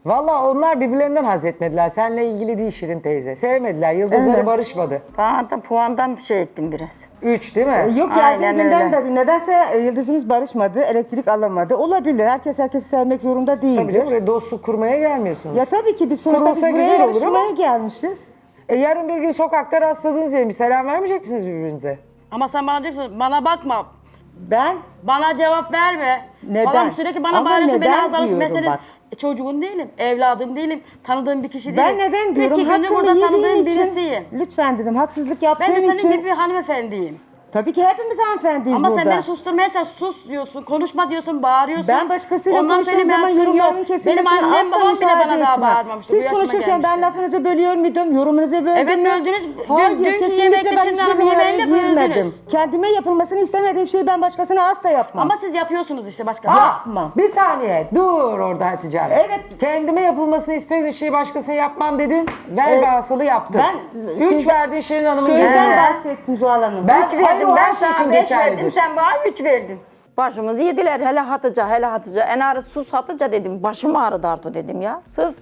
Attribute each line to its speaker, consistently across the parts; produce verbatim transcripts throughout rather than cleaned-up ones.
Speaker 1: Valla onlar birbirlerinden haz etmediler. Seninle ilgili değil Şirin teyze. Sevmediler. Yıldızları
Speaker 2: Evet.
Speaker 1: barışmadı.
Speaker 3: Bana da puandan şey ettim biraz.
Speaker 1: Üç değil mi?
Speaker 2: Yok
Speaker 3: Aynen
Speaker 2: geldiği günden
Speaker 3: öyle.
Speaker 2: beri nedense e, yıldızımız barışmadı, elektrik alamadı. Olabilir. Herkes herkesi sevmek zorunda değil.
Speaker 1: Tabii canım. Buraya dostluk kurmaya gelmiyorsunuz.
Speaker 2: Ya tabii ki biz sonuçta biz
Speaker 1: Kurulsa
Speaker 2: buraya
Speaker 1: güzel olur
Speaker 2: yarışmaya
Speaker 1: ama-
Speaker 2: gelmişiz.
Speaker 1: E yarın bir gün sokakta rastladınız diyelim. Bir selam vermeyecek misiniz birbirinize?
Speaker 4: Ama sen bana diyorsun, bana bakma.
Speaker 2: Ben
Speaker 4: Bana cevap verme.
Speaker 2: Neden?
Speaker 4: Falan sürekli bana
Speaker 2: Ama
Speaker 4: bağırıyorsun, beni
Speaker 2: neden
Speaker 4: azarlıyorsun. Ben
Speaker 2: diyorum
Speaker 4: senin
Speaker 2: bak.
Speaker 4: e, çocuğun değilim, evladım değilim, tanıdığım bir kişi değilim.
Speaker 2: ben neden diyorum?
Speaker 4: İki gündür
Speaker 2: Hakkımı
Speaker 4: burada tanıdığım
Speaker 2: yediğin için
Speaker 4: birisiyim.
Speaker 2: lütfen dedim. Haksızlık yaptığın
Speaker 4: Ben de senin
Speaker 2: için.
Speaker 4: gibi bir hanımefendiyim.
Speaker 2: Tabii ki hepimiz hanımefendiyiz
Speaker 4: Ama
Speaker 2: burada.
Speaker 4: sen beni susturmaya çalış, sus diyorsun, konuşma diyorsun, bağırıyorsun.
Speaker 2: Ben başkasıyla
Speaker 4: Ondan
Speaker 2: konuştuğum
Speaker 4: söyleme
Speaker 2: zaman
Speaker 4: hakkın
Speaker 2: yorumlarımın
Speaker 4: yok.
Speaker 2: kesilmesine
Speaker 4: Benim annem
Speaker 2: asla
Speaker 4: babam bile
Speaker 2: müsaade
Speaker 4: bana daha
Speaker 2: etmem.
Speaker 4: bağırmamıştı. Bu
Speaker 2: Siz
Speaker 4: yaşıma
Speaker 2: konuşurken ben
Speaker 4: gelmişti.
Speaker 2: lafınızı bölüyor muydum? Yorumunuzu böldüm
Speaker 4: Evet,
Speaker 2: mü?
Speaker 4: böldünüz. Dün-
Speaker 2: Hayır,
Speaker 4: dünkü
Speaker 2: kesinlikle
Speaker 4: yemekte
Speaker 2: ben
Speaker 4: Şirin
Speaker 2: hiçbir
Speaker 4: Hanım'ın
Speaker 2: zaman
Speaker 4: yemeğinde
Speaker 2: araya girmedim.
Speaker 4: böldünüz.
Speaker 2: Kendime yapılmasını istemediğim şeyi ben başkasına asla yapmam.
Speaker 4: Ama siz yapıyorsunuz işte başkası.
Speaker 2: Yapmam.
Speaker 1: Bir saniye. Dur orada Hatice Hanım.
Speaker 2: Evet.
Speaker 1: Kendime yapılmasını istediğin şeyi başkasına yapmam dedin. Ver
Speaker 2: Evet.
Speaker 1: basılı yaptın.
Speaker 2: Ben-
Speaker 1: Üç
Speaker 2: siz-
Speaker 1: verdiğin Şirin Hanım'ın
Speaker 2: Sözden
Speaker 1: yerine.
Speaker 2: bahsettim Zuhal Hanım.
Speaker 1: Ben-
Speaker 3: Üç
Speaker 1: Hayır,
Speaker 3: verdim,
Speaker 1: o her
Speaker 3: ben
Speaker 1: şey için
Speaker 3: sana beş
Speaker 1: geçerlidir.
Speaker 3: verdim, sen bana üç verdin. Başımızı yediler, hele Hatice, hele Hatice. En ağrı sus Hatice dedim, başım ağrıdı artık dedim ya. Sus.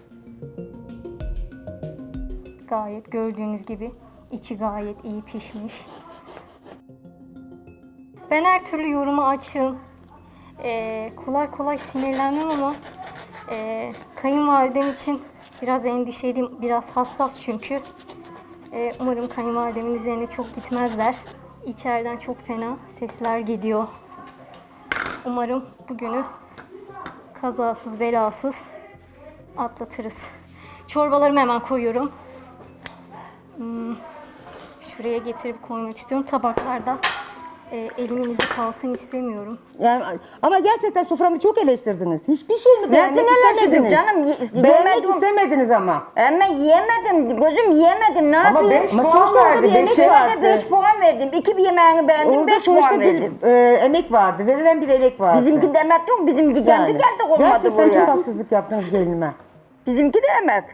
Speaker 5: Gayet gördüğünüz gibi içi gayet iyi pişmiş. Ben her türlü yoruma açığım. Ee, kolay kolay sinirlenmem ama e, kayınvalidem için biraz endişeliyim. Biraz hassas çünkü. Ee, umarım kayınvalidemin üzerine çok gitmezler. İçeriden çok fena sesler geliyor. Umarım bugünü kazasız belasız atlatırız. Çorbalarımı hemen koyuyorum. Hmm, şuraya getirip koymak istiyorum. Tabaklarda e, elimin izi kalsın istemiyorum.
Speaker 2: Yani, ama gerçekten soframı çok eleştirdiniz. Hiçbir şey mi
Speaker 3: Ben
Speaker 2: beğenmek
Speaker 3: sinirlenmedim
Speaker 2: istemediniz?
Speaker 3: canım, ye-
Speaker 2: Beğenmek
Speaker 3: yemedim.
Speaker 2: istemediniz ama.
Speaker 3: Ama yiyemedim, gözüm yiyemedim, ne
Speaker 1: Ama
Speaker 3: yapayım?
Speaker 1: beş
Speaker 2: Ama
Speaker 1: puan
Speaker 2: sonuçta
Speaker 1: verdi.
Speaker 2: bir yemek
Speaker 1: Beşe
Speaker 2: var.
Speaker 3: Ben de beş puan verdim. İki bir yemeğini beğendim,
Speaker 2: Orada
Speaker 3: beş
Speaker 2: sonuçta
Speaker 3: puan
Speaker 2: bir
Speaker 3: verdim.
Speaker 2: e, emek vardı. Verilen bir emek vardı.
Speaker 3: Bizimki demek yok, bizimki kendi
Speaker 2: Yani.
Speaker 3: geldi olmadı
Speaker 2: Gerçekten
Speaker 3: buraya.
Speaker 2: çok haksızlık yaptınız gelinime.
Speaker 3: Bizimki de emek.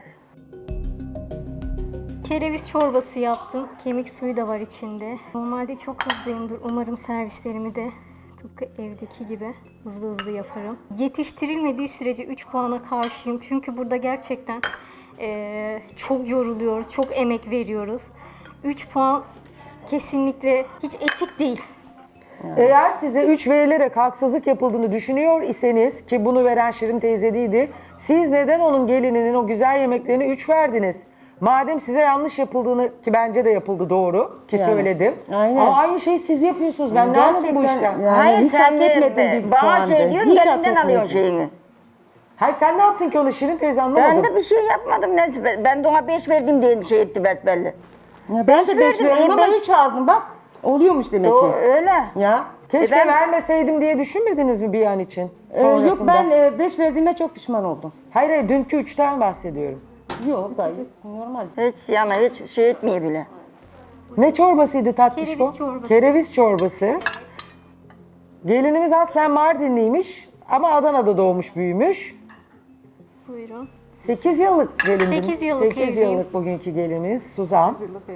Speaker 5: Kereviz çorbası yaptım. Kemik suyu da var içinde. Normalde çok hızlıyımdır. Umarım servislerimi de tıpkı evdeki gibi hızlı hızlı yaparım. Yetiştirilmediği sürece üç puana karşıyım. Çünkü burada gerçekten eee, çok yoruluyoruz, çok emek veriyoruz. üç puan kesinlikle hiç etik değil.
Speaker 1: Eğer size üç verilerek haksızlık yapıldığını düşünüyor iseniz ki bunu veren Şirin teyze değildi. Siz neden onun gelininin o güzel yemeklerine üç verdiniz? Madem size yanlış yapıldığını ki bence de yapıldı doğru ki
Speaker 2: Yani,
Speaker 1: söyledim.
Speaker 2: aynen.
Speaker 1: Ama aynı şeyi siz yapıyorsunuz. Ben ne anladım bu işten?
Speaker 2: yani
Speaker 3: Hayır
Speaker 2: hiç
Speaker 3: sen
Speaker 2: hak
Speaker 3: de
Speaker 2: etmediğin bir
Speaker 3: bana
Speaker 2: puandı.
Speaker 3: şey diyorsun,
Speaker 2: Hiç hak
Speaker 3: elinden alıyorsun
Speaker 2: etmedin.
Speaker 3: şeyini.
Speaker 1: Hayır sen ne yaptın ki onu Şirin teyze anlamadım.
Speaker 3: Ben de bir şey yapmadım. Neyse, ben- ben de ona beş verdim diye şey etti besbelli.
Speaker 2: Ya ben
Speaker 3: Beş
Speaker 2: de beş
Speaker 3: verdim,
Speaker 2: verdim
Speaker 3: e,
Speaker 2: ama
Speaker 3: beş-
Speaker 2: üç aldım bak. Oluyormuş demek
Speaker 3: O
Speaker 2: ki.
Speaker 3: öyle.
Speaker 2: Ya.
Speaker 1: Keşke
Speaker 3: E ben-
Speaker 1: vermeseydim diye düşünmediniz mi bir an için?
Speaker 2: Ee, yok
Speaker 1: Sonrasında.
Speaker 2: ben e, beş verdiğime çok pişman oldum.
Speaker 1: Hayır hayır dünkü üçten bahsediyorum.
Speaker 2: Yok gayet normal.
Speaker 3: Hiç yani hiç şey etmiyor bile.
Speaker 1: Ne çorbasıydı tatlış bu?
Speaker 5: Kereviz çorbası.
Speaker 1: Kereviz çorbası. Gelinimiz aslen Mardinliymiş ama Adana'da doğmuş büyümüş.
Speaker 5: Buyurun.
Speaker 1: sekiz yıllık gelin.
Speaker 5: Sekiz yıllık
Speaker 1: sekiz
Speaker 5: evliyim.
Speaker 1: yıllık bugünkü gelinimiz Suzan.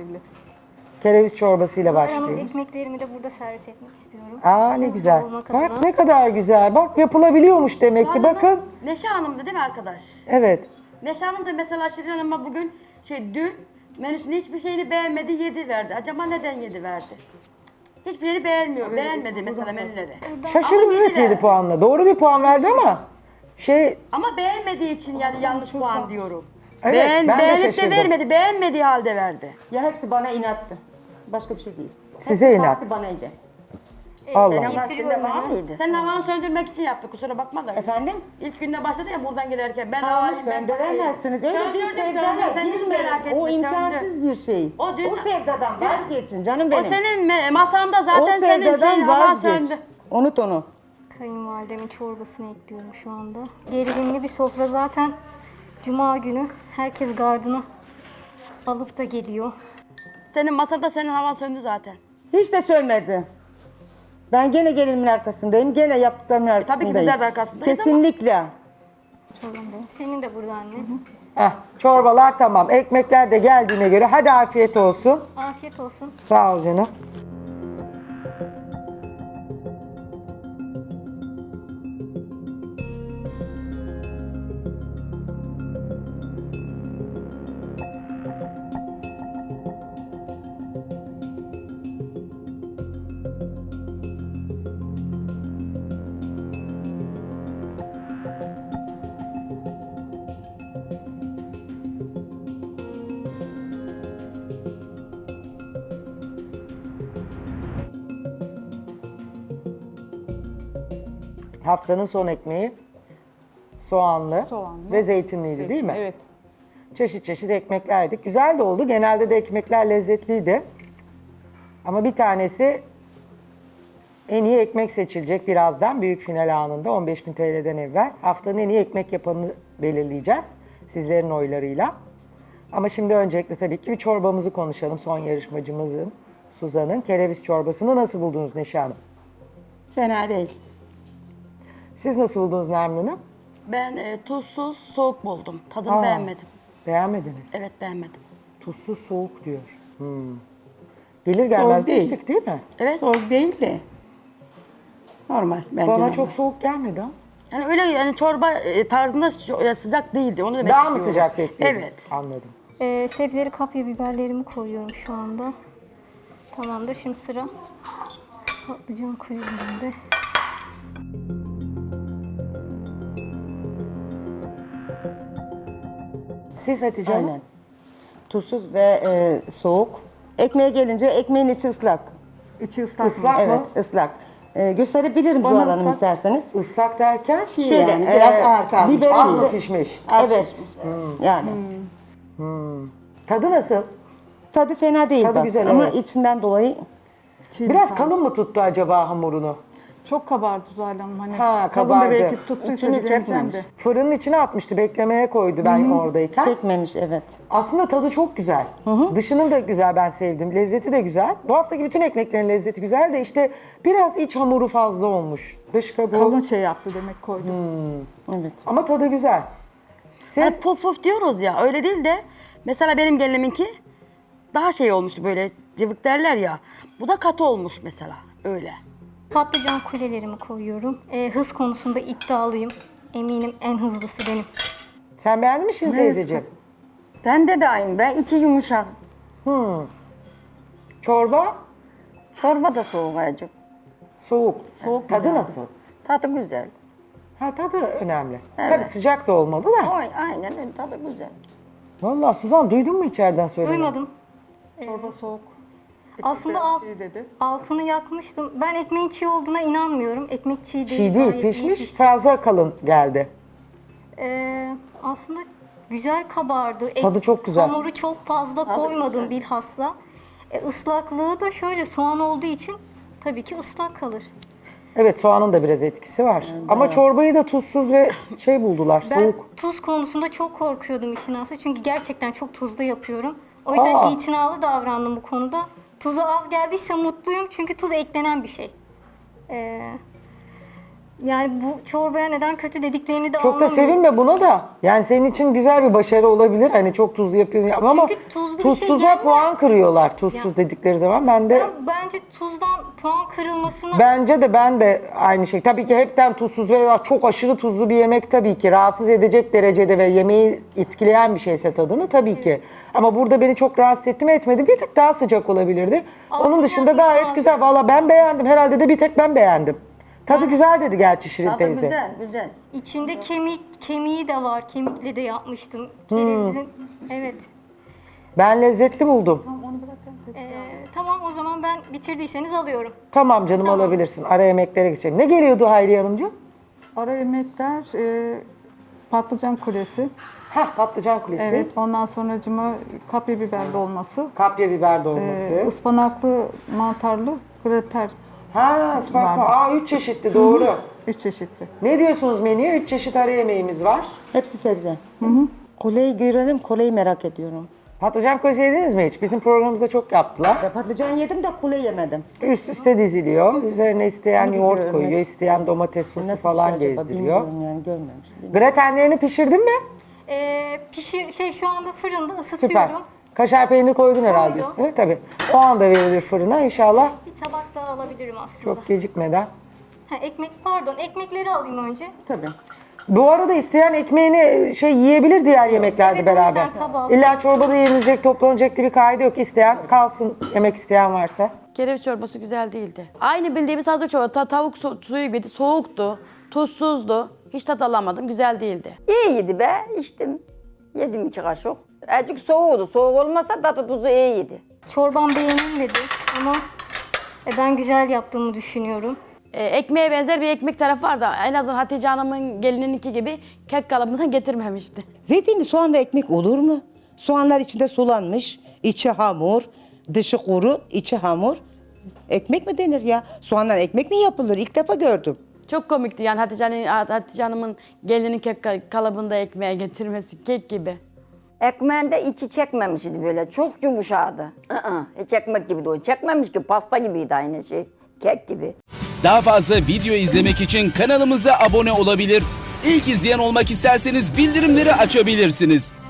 Speaker 1: Kereviz çorbasıyla
Speaker 5: Hanım,
Speaker 1: başlıyoruz.
Speaker 5: ekmeklerimi de burada servis etmek istiyorum.
Speaker 1: Aa ne
Speaker 5: Hızlı
Speaker 1: güzel.
Speaker 5: olmak
Speaker 1: Bak
Speaker 5: adına.
Speaker 1: ne kadar güzel. Bak yapılabiliyormuş demek ki. Bakın.
Speaker 4: Neşe Hanım'dı değil mi arkadaş?
Speaker 1: Evet.
Speaker 4: Neşe Hanım da mesela Şirin Hanım'a bugün şey dün menüsünün hiçbir şeyini beğenmedi, yedi verdi. Acaba neden yedi verdi? Hiçbir şeyini beğenmiyor, beğenmedi mesela menüleri.
Speaker 1: Şaşırdım
Speaker 4: Ama
Speaker 1: evet
Speaker 4: yedi
Speaker 1: yedi
Speaker 4: verdi.
Speaker 1: puanla. Doğru bir puan verdi ama şey
Speaker 4: Ama beğenmediği için yani yanlış puan diyorum.
Speaker 1: Evet,
Speaker 4: Beğen,
Speaker 1: ben de
Speaker 4: beğenip
Speaker 1: şaşırdım.
Speaker 4: de vermedi, beğenmediği halde verdi.
Speaker 2: Ya hepsi bana inattı. Başka bir şey değil.
Speaker 1: Size
Speaker 2: Hepsi
Speaker 1: inat.
Speaker 2: bastı banaydı.
Speaker 1: Allah.
Speaker 3: Senin
Speaker 5: Getiriyorum
Speaker 3: gazetinde var
Speaker 5: hemen.
Speaker 3: mıydı?
Speaker 4: Senin havanı söndürmek için yaptı kusura bakma da.
Speaker 2: Efendim?
Speaker 4: İlk günde başladı ya buradan gelirken ben
Speaker 2: Ama
Speaker 4: havalıyım, ben
Speaker 2: söndüremezsiniz. Öyle bir
Speaker 4: Söndürdüm,
Speaker 2: sevdaya
Speaker 4: söndürdüm. Sen hiç
Speaker 2: girmeyin.
Speaker 4: merak etme,
Speaker 2: O
Speaker 4: söndü.
Speaker 2: imkansız bir şey.
Speaker 4: O dün-
Speaker 2: o sevdadan
Speaker 4: dün-
Speaker 2: vazgeçin canım
Speaker 4: O
Speaker 2: benim.
Speaker 4: senin me- masanda
Speaker 2: o
Speaker 4: zaten senin
Speaker 2: sevdadan
Speaker 4: şeyin havan
Speaker 2: vazgeç.
Speaker 4: söndü.
Speaker 2: Unut onu.
Speaker 5: Kayınvalidemin çorbasını ekliyorum şu anda. Gerilimli bir sofra zaten. Cuma günü herkes gardını alıp da geliyor.
Speaker 4: Senin masada senin havan söndü zaten.
Speaker 2: Hiç de sönmedi. Ben gene gelinimin arkasındayım. Gene yaptıklarımın arkasındayım.
Speaker 4: ki bizler de arkasındayız ama-
Speaker 2: Kesinlikle.
Speaker 5: Çorbam benim. Senin de burada anne.
Speaker 1: Heh, çorbalar tamam. Ekmekler de geldiğine göre hadi afiyet olsun.
Speaker 5: Afiyet olsun.
Speaker 1: Sağ ol canım. Haftanın son ekmeği soğanlı,
Speaker 6: Soğanlı.
Speaker 1: ve zeytinliydi değil mi?
Speaker 6: Evet.
Speaker 1: Çeşit çeşit ekmekler yedik. Güzel de oldu. Genelde de ekmekler lezzetliydi. Ama bir tanesi en iyi ekmek seçilecek birazdan. Büyük final anında on beş bin T L'den evvel. Haftanın en iyi ekmek yapanını belirleyeceğiz. Sizlerin oylarıyla. Ama şimdi öncelikle tabii ki bir çorbamızı konuşalım. Son yarışmacımızın, Suzan'ın kereviz çorbasını nasıl buldunuz Neşe Hanım?
Speaker 7: Fena değil.
Speaker 1: Siz nasıl buldunuz Nermin Hanım?
Speaker 4: Ben e, tuzsuz soğuk buldum. Tadını
Speaker 1: Aa.
Speaker 4: beğenmedim.
Speaker 1: Beğenmediniz.
Speaker 4: Evet beğenmedim.
Speaker 1: Tuzsuz soğuk diyor. Hmm. Gelir gelmez
Speaker 7: Soğuk
Speaker 1: de
Speaker 7: değil.
Speaker 1: içtik değil mi?
Speaker 4: Evet.
Speaker 7: Soğuk değil de. Normal bence.
Speaker 1: Bana
Speaker 7: normal.
Speaker 1: çok soğuk gelmedi ama.
Speaker 4: Yani öyle yani çorba e, tarzında ço- ya sıcak değildi. Onu demek
Speaker 1: Daha
Speaker 4: istiyorum.
Speaker 1: mı sıcak bekliyordunuz?
Speaker 4: Evet.
Speaker 1: Anladım.
Speaker 5: Ee, sebzeli kapya biberlerimi koyuyorum şu anda. Tamamdır. Şimdi sıra patlıcan kulelerinde.
Speaker 1: Siz Hatice Hanım?
Speaker 2: Aynen. Tuzsuz ve e, soğuk. Ekmeğe gelince ekmeğin içi ıslak.
Speaker 6: İçi ıslak.
Speaker 1: Islak
Speaker 2: Evet,
Speaker 1: mı?
Speaker 2: ıslak. E, gösterebilirim
Speaker 6: Bana
Speaker 2: Zuhal Hanım
Speaker 6: ıslak-
Speaker 2: isterseniz.
Speaker 1: Islak derken
Speaker 2: Şöyle,
Speaker 7: yani, biraz
Speaker 2: e,
Speaker 7: ağır kalmış.
Speaker 2: biber-
Speaker 1: az mı pişmiş?
Speaker 2: Evet. Yani.
Speaker 1: Tadı nasıl?
Speaker 2: Tadı fena değil
Speaker 1: Tadı
Speaker 2: bak.
Speaker 1: güzel,
Speaker 2: Ama
Speaker 1: evet.
Speaker 2: içinden dolayı
Speaker 6: Çiğ
Speaker 1: Biraz
Speaker 6: bir
Speaker 1: kalın mı tuttu acaba hamurunu?
Speaker 6: Çok kabardı Zuhal Hanım. Hani
Speaker 1: Ha,
Speaker 6: kalın
Speaker 1: kabardı.
Speaker 6: da belki tuttuysa
Speaker 2: İçini
Speaker 6: bilemeyeceğim
Speaker 2: çekmemiş.
Speaker 6: de.
Speaker 1: Fırının içine atmıştı, beklemeye koydu ben oradayken.
Speaker 2: çekmemiş, evet.
Speaker 1: Aslında tadı çok güzel. Dışının da güzel, ben sevdim. Lezzeti de güzel. Bu haftaki bütün ekmeklerin lezzeti güzel de işte biraz iç hamuru fazla olmuş. Dış kabuğu.
Speaker 6: Kalın şey yaptı demek koydum.
Speaker 2: Evet.
Speaker 1: Ama tadı güzel. Siz
Speaker 4: Hani puf puf diyoruz ya öyle değil de mesela benim geliniminki daha şey olmuştu böyle cıvık derler ya. Bu da katı olmuş mesela öyle.
Speaker 5: Patlıcan kulelerimi koyuyorum. Ee, hız konusunda iddialıyım. Eminim en hızlısı benim.
Speaker 1: sen beğendin mi şimdi teyzeciğim?
Speaker 3: Bende de aynı. Ben içi yumuşak.
Speaker 1: Çorba
Speaker 3: Çorba da soğuk acık.
Speaker 1: soğuk.
Speaker 6: Soğuk
Speaker 1: Tadı
Speaker 6: yani.
Speaker 1: nasıl?
Speaker 3: Tadı güzel.
Speaker 1: Ha tadı önemli.
Speaker 3: Evet.
Speaker 1: Tabii sıcak da olmalı da.
Speaker 3: Oy, aynen öyle tadı güzel.
Speaker 1: Vallahi Suzan duydun mu içeriden söylemeyi?
Speaker 5: Duymadım.
Speaker 6: Çorba soğuk.
Speaker 5: Aslında
Speaker 6: Ekmek
Speaker 5: alt,
Speaker 6: çiğ dedi.
Speaker 5: altını yakmıştım. Ben ekmeğin çiğ olduğuna inanmıyorum. Ekmek çiğ değil.
Speaker 1: Çiğ değil,
Speaker 5: gayet iyi
Speaker 1: pişmiş,
Speaker 5: pişti.
Speaker 1: fazla kalın geldi.
Speaker 5: Ee, aslında güzel kabardı. Ek-
Speaker 1: Tadı çok güzel.
Speaker 5: Hamuru çok fazla koymadım bilhassa. E, ıslaklığı da şöyle soğan olduğu için tabii ki ıslak kalır.
Speaker 1: Evet, soğanın da biraz etkisi var. Ama çorbayı da tuzsuz ve şey buldular,
Speaker 5: Ben
Speaker 1: soğuk.
Speaker 5: tuz konusunda çok korkuyordum işin aslı. Çünkü gerçekten çok tuzlu yapıyorum. O yüzden
Speaker 1: Aa.
Speaker 5: itinalı davrandım bu konuda. Tuzu az geldiyse mutluyum çünkü tuz eklenen bir şey. Ee, yani bu çorbaya neden kötü dediklerini de
Speaker 1: Çok da
Speaker 5: anlamıyorum.
Speaker 1: sevinme buna da. Yani senin için güzel bir başarı olabilir. Hani çok tuzlu yapıyorsun ama
Speaker 5: Çünkü tuzlu bir şey
Speaker 1: tuzsuza
Speaker 5: yenmez.
Speaker 1: puan kırıyorlar tuzsuz
Speaker 5: Ya.
Speaker 1: dedikleri zaman. Ben de
Speaker 5: Ben bence tuzdan puan kırılmasına
Speaker 1: bence de ben de aynı şey. Tabii ki hepten tuzsuz veya çok aşırı tuzlu bir yemek tabii ki rahatsız edecek derecede ve yemeği etkileyen bir şeyse tadını tabii ki. Ama burada beni çok rahatsız etti mi etmedi. Bir tık daha sıcak olabilirdi.
Speaker 5: Altını
Speaker 1: Onun dışında
Speaker 5: yakmış
Speaker 1: gayet
Speaker 5: lazım.
Speaker 1: güzel. Valla ben beğendim. Herhalde de bir tek ben beğendim. Tadı güzel dedi gerçi Şirin
Speaker 3: Tadı
Speaker 1: teyze.
Speaker 3: güzel, güzel.
Speaker 5: içinde kemik kemiği de var. Kemikle de yapmıştım.
Speaker 1: Hmm.
Speaker 5: Kerevizin evet.
Speaker 1: Ben lezzetli buldum.
Speaker 5: Ee, tamam o zaman ben bitirdiyseniz alıyorum.
Speaker 1: Tamam canım alabilirsin. Ara yemeklere geçelim. Ne geliyordu Hayriye Hanımcığım?
Speaker 6: Ara yemekler e, patlıcan kulesi.
Speaker 1: Hah patlıcan kulesi.
Speaker 6: Evet. Ondan sonracıma kapya biberli olması.
Speaker 1: Kapya biber
Speaker 6: E,
Speaker 1: dolması.
Speaker 6: ıspanaklı mantarlı grater.
Speaker 1: ha ıspanak.
Speaker 6: vardı.
Speaker 1: Aa üç çeşitli doğru.
Speaker 6: Üç çeşitli.
Speaker 1: Ne diyorsunuz menüye? Üç çeşit ara yemeğimiz var.
Speaker 2: Hepsi sebze. Koleyi görelim, koleyi merak ediyorum.
Speaker 1: Patlıcan kulesi yediniz mi hiç? Bizim programımızda çok yaptılar.
Speaker 2: Ya patlıcan yedim de kule yemedim.
Speaker 1: Üst üste diziliyor. Üzerine isteyen
Speaker 2: Bunu
Speaker 1: yoğurt
Speaker 2: biliyorum,
Speaker 1: koyuyor,
Speaker 2: evet.
Speaker 1: isteyen domates sosu
Speaker 2: Nasıl
Speaker 1: falan
Speaker 2: bir şey acaba
Speaker 1: gezdiriyor.
Speaker 2: bilmiyorum yani görmemişim.
Speaker 1: Gratenlerini pişirdin mi?
Speaker 5: Ee, pişir şey şu anda fırında
Speaker 1: Süper.
Speaker 5: ısıtıyorum.
Speaker 1: Kaşar peynir koydun herhalde
Speaker 5: Koydum.
Speaker 1: üstüne. Tabii. O anda verilir fırına inşallah.
Speaker 5: Bir tabak daha alabilirim aslında.
Speaker 1: Çok gecikmeden.
Speaker 5: Ha, ekmek pardon ekmekleri alayım önce.
Speaker 2: Tabii.
Speaker 1: Bu arada isteyen ekmeğini şey yiyebilir diğer yemeklerde
Speaker 5: Evet, o
Speaker 1: beraber.
Speaker 5: yüzden tabağı-
Speaker 1: İlla çorbada yenilecek, toplanacak diye bir kaydı yok. İsteyen kalsın, yemek isteyen varsa.
Speaker 4: Kereviz çorbası güzel değildi. Aynı bildiğimiz hazır çorba. Ta- tavuk su- suyu gibiydi. Soğuktu. Tuzsuzdu. Hiç tat alamadım. Güzel değildi.
Speaker 3: İyiydi be, içtim. Yedim iki kaşık. Azıcık soğuğdu. Soğuk olmasa tadı tuzu iyiydi.
Speaker 5: Çorbam beğenilmedi ama e, ben güzel yaptığımı düşünüyorum.
Speaker 4: e, ekmeğe benzer bir ekmek tarafı vardı. En azından Hatice Hanım'ın gelinininki gibi kek kalıbından getirmemişti.
Speaker 2: Zeytinli soğanla ekmek olur mu? Soğanlar içinde sulanmış, içi hamur, dışı kuru, içi hamur. Ekmek mi denir ya? Soğandan ekmek mi yapılır? İlk defa gördüm.
Speaker 4: Çok komikti yani Hatice, Hanım- Hatice Hanım'ın gelinin kek ka- kalıbında ekmeğe getirmesi kek gibi.
Speaker 3: Ekmeğinde içi çekmemişti böyle. Çok yumuşadı. Aa, hiç ekmek gibi de o. Çekmemiş ki pasta gibiydi aynı şey. Kek gibi.
Speaker 8: Daha fazla video izlemek için kanalımıza abone olabilir. İlk izleyen olmak isterseniz bildirimleri açabilirsiniz.